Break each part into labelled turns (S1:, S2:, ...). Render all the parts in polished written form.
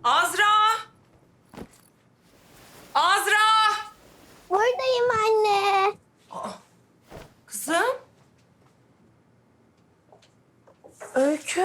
S1: Azra! Azra!
S2: Buradayım anne.
S1: Kızım. Öykü.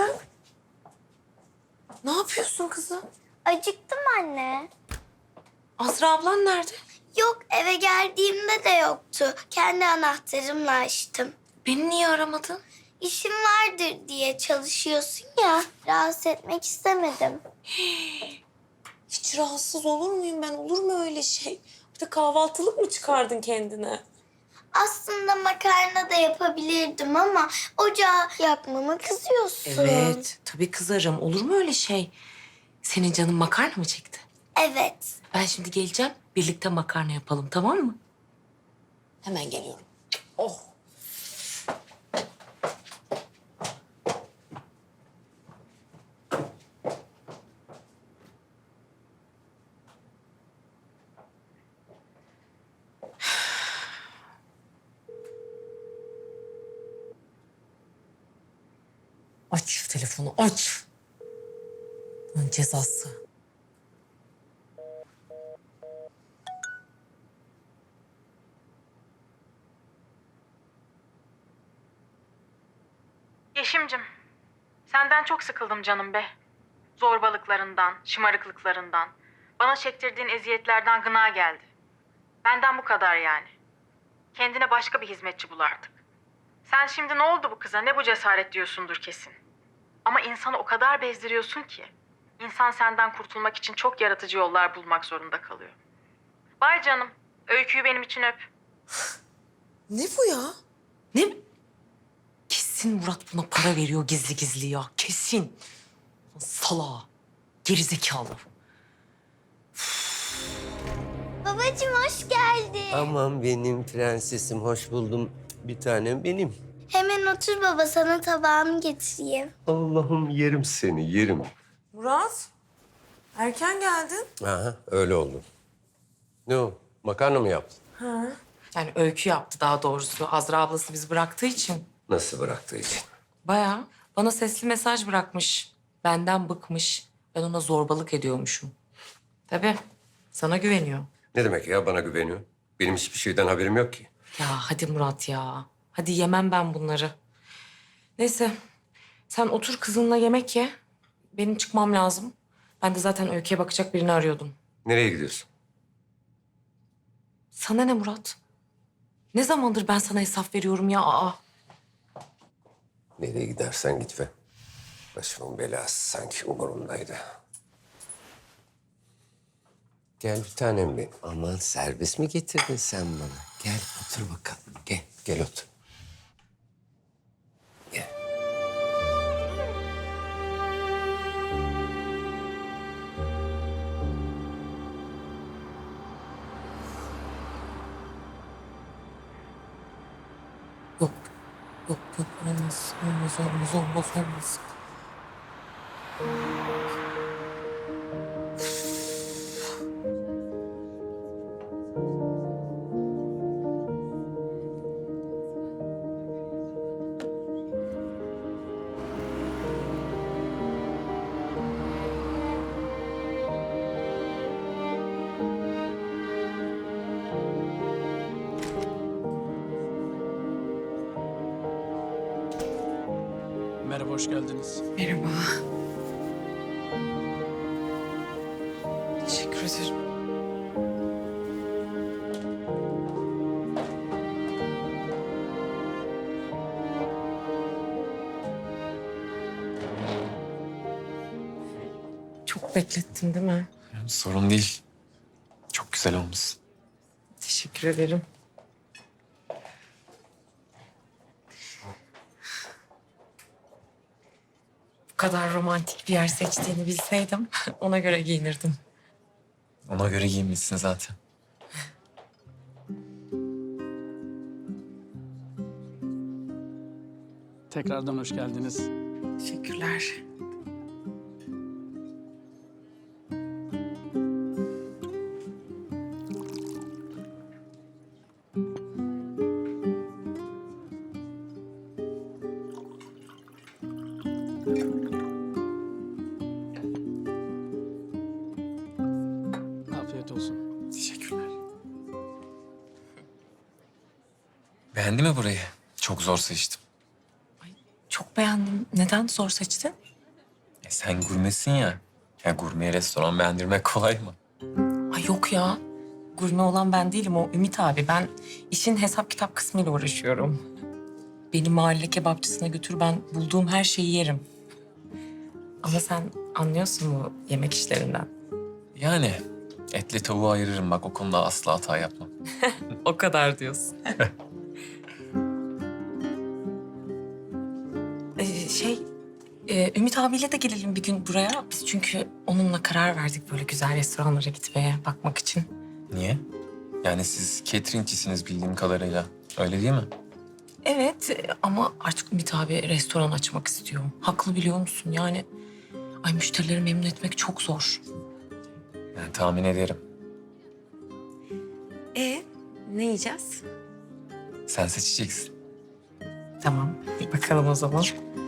S1: Ne yapıyorsun kızım?
S2: Acıktım anne.
S1: Azra ablan nerede?
S2: Yok, eve geldiğimde de yoktu. Kendi anahtarımla açtım.
S1: Beni niye aramadın?
S2: İşim vardır diye çalışıyorsun ya. Rahatsız etmek istemedim.
S1: Hiç rahatsız olur muyum ben? Olur mu öyle şey? Bir de kahvaltılık mı çıkardın kendine?
S2: Aslında makarna da yapabilirdim ama ocağı yakmama kızıyorsun.
S1: Evet, tabii kızarım. Olur mu öyle şey? Senin canın makarna mı çekti?
S2: Evet.
S1: Ben şimdi geleceğim. Birlikte makarna yapalım, tamam mı? Hemen geliyorum. Oh. Aç şu telefonu, aç. Bunun cezası.
S3: Yeşimcim, senden çok sıkıldım canım be. Zorbalıklarından, şımarıklıklarından, bana çektirdiğin eziyetlerden gına geldi. Benden bu kadar yani. Kendine başka bir hizmetçi bul artık. Sen şimdi ne oldu bu kıza, ne bu cesaret diyorsundur kesin. Ama insanı o kadar bezdiriyorsun ki, insan senden kurtulmak için çok yaratıcı yollar bulmak zorunda kalıyor. Vay canım, öyküyü benim için öp.
S1: Ne bu ya? Ne? Kesin Murat buna para veriyor gizli gizli ya. Kesin. Salağa. Gerizekalı.
S2: Babacığım hoş geldin.
S4: Aman benim prensesim, hoş buldum. Bir tanem benim.
S2: Hemen otur baba, sana tabağımı getireyim.
S4: Allah'ım yerim seni, yerim.
S1: Murat, erken geldin.
S4: Aha, öyle oldu. Ne o, makarna mı yaptın?
S1: Yani öykü yaptı daha doğrusu. Azra ablası bizi bıraktığı için.
S4: Nasıl bıraktığı için?
S1: Bayağı bana sesli mesaj bırakmış. Benden bıkmış. Ben ona zorbalık ediyormuşum. Tabii sana güveniyor.
S4: Ne demek ya, bana güveniyor? Benim hiçbir şeyden haberim yok ki.
S1: Ya hadi Murat ya. Hadi yemem ben bunları. Neyse sen otur kızınla yemek ye. Benim çıkmam lazım. Ben de zaten öyküye bakacak birini arıyordum.
S4: Nereye gidiyorsun?
S1: Sana ne Murat? Ne zamandır ben sana hesap veriyorum ya? Aa.
S4: Nereye gidersen git be. Başımın belası sanki umurumdaydı. Gel bir tanem benim. Aman servis mi getirdin sen bana? Gel otur bakalım. Gel, gel otur. Gel.
S1: Yok. Yok yok olmaz. Olmaz olmaz olmaz olmaz.
S5: Merhaba, hoş geldiniz.
S1: Merhaba. Teşekkür ederim. Çok beklettin değil mi?
S5: Sorun değil. Çok güzel olmuş.
S1: Teşekkür ederim. Bu kadar romantik bir yer seçtiğini bilseydim ona göre giyinirdim.
S5: Ona göre giyinmişsin zaten. Tekrardan hoş geldiniz.
S1: Teşekkürler.
S5: Beğendi mi burayı? Çok zor seçtim.
S1: Çok beğendim. Neden zor seçtin?
S5: Sen gurmesin ya. Ya gurmeye restoran beğendirmek kolay mı?
S1: Ay yok ya. Gurme olan ben değilim, o Ümit abi. Ben işin hesap kitap kısmıyla uğraşıyorum. Beni mahalle kebapçısına götür, ben bulduğum her şeyi yerim. Ama sen anlıyorsun mu yemek işlerinden?
S5: Yani etle tavuğu ayırırım bak, o konuda asla hata yapmam.
S1: O kadar diyorsun. Ümit abiyle de gelelim bir gün buraya. Biz çünkü onunla karar verdik böyle güzel restoranlara gitmeye, bakmak için.
S5: Niye? Yani siz cateringçisiniz bildiğim kadarıyla. Öyle değil mi?
S1: Evet ama artık Ümit abi restoran açmak istiyor. Haklı, biliyor musun? Yani ay, müşterileri memnun etmek çok zor.
S5: Yani tahmin ederim.
S1: Ne yiyeceğiz?
S5: Sen seçeceksin.
S1: Tamam, bir bakalım o zaman.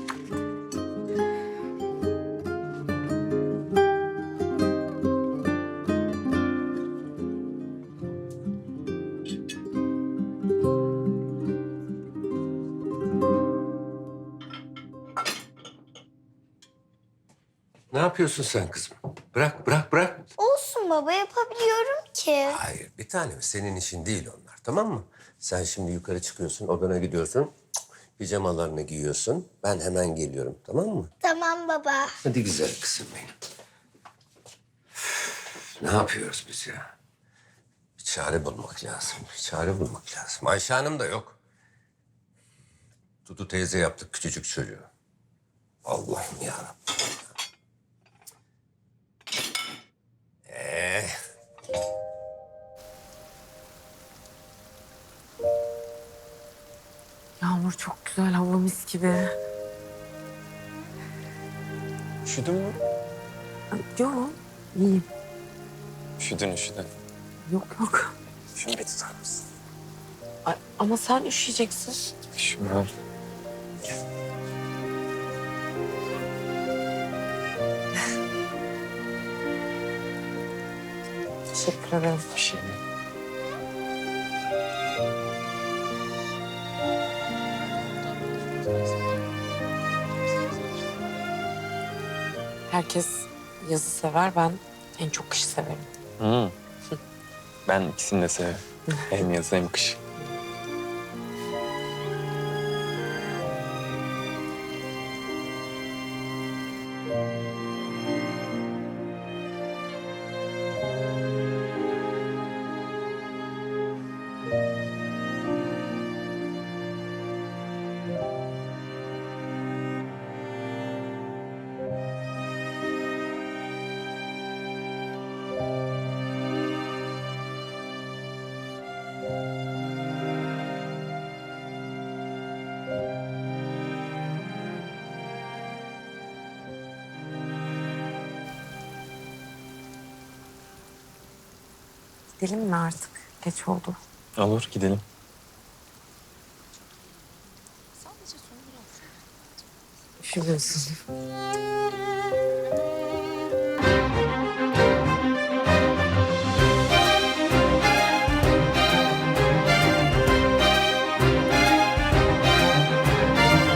S4: Ne yapıyorsun sen kızım? Bırak, bırak, bırak.
S2: Olsun baba, yapabiliyorum ki.
S4: Hayır, bir tanem. Senin işin değil onlar, tamam mı? Sen şimdi yukarı çıkıyorsun, odana gidiyorsun. Pijamalarını giyiyorsun. Ben hemen geliyorum, tamam mı?
S2: Tamam baba.
S4: Hadi güzel kızım benim. Üf, ne yapıyoruz biz ya? Bir çare bulmak lazım, bir çare bulmak lazım. Ayşe Hanım da yok. Dudu teyze yaptık küçücük çocuğu. Allah'ım yarabbim.
S1: Yağmur çok güzel, hava mis gibi.
S5: Üşüdün mü?
S1: Yok, iyiyim.
S5: Üşüdün.
S1: Yok yok.
S5: Şunu bir tutar mısın?
S1: Ay, ama sen üşüyeceksin.
S5: Üşümem.
S1: Teşekkür ederim.
S5: Bir şey değil.
S1: Herkes yazı sever, ben en çok kışı severim.
S5: Hı. Ben ikisini de severim. Hem yazı hem kış.
S1: Gidelim mi artık? Geç oldu.
S5: Olur, gidelim.
S1: Üşümüyorsun.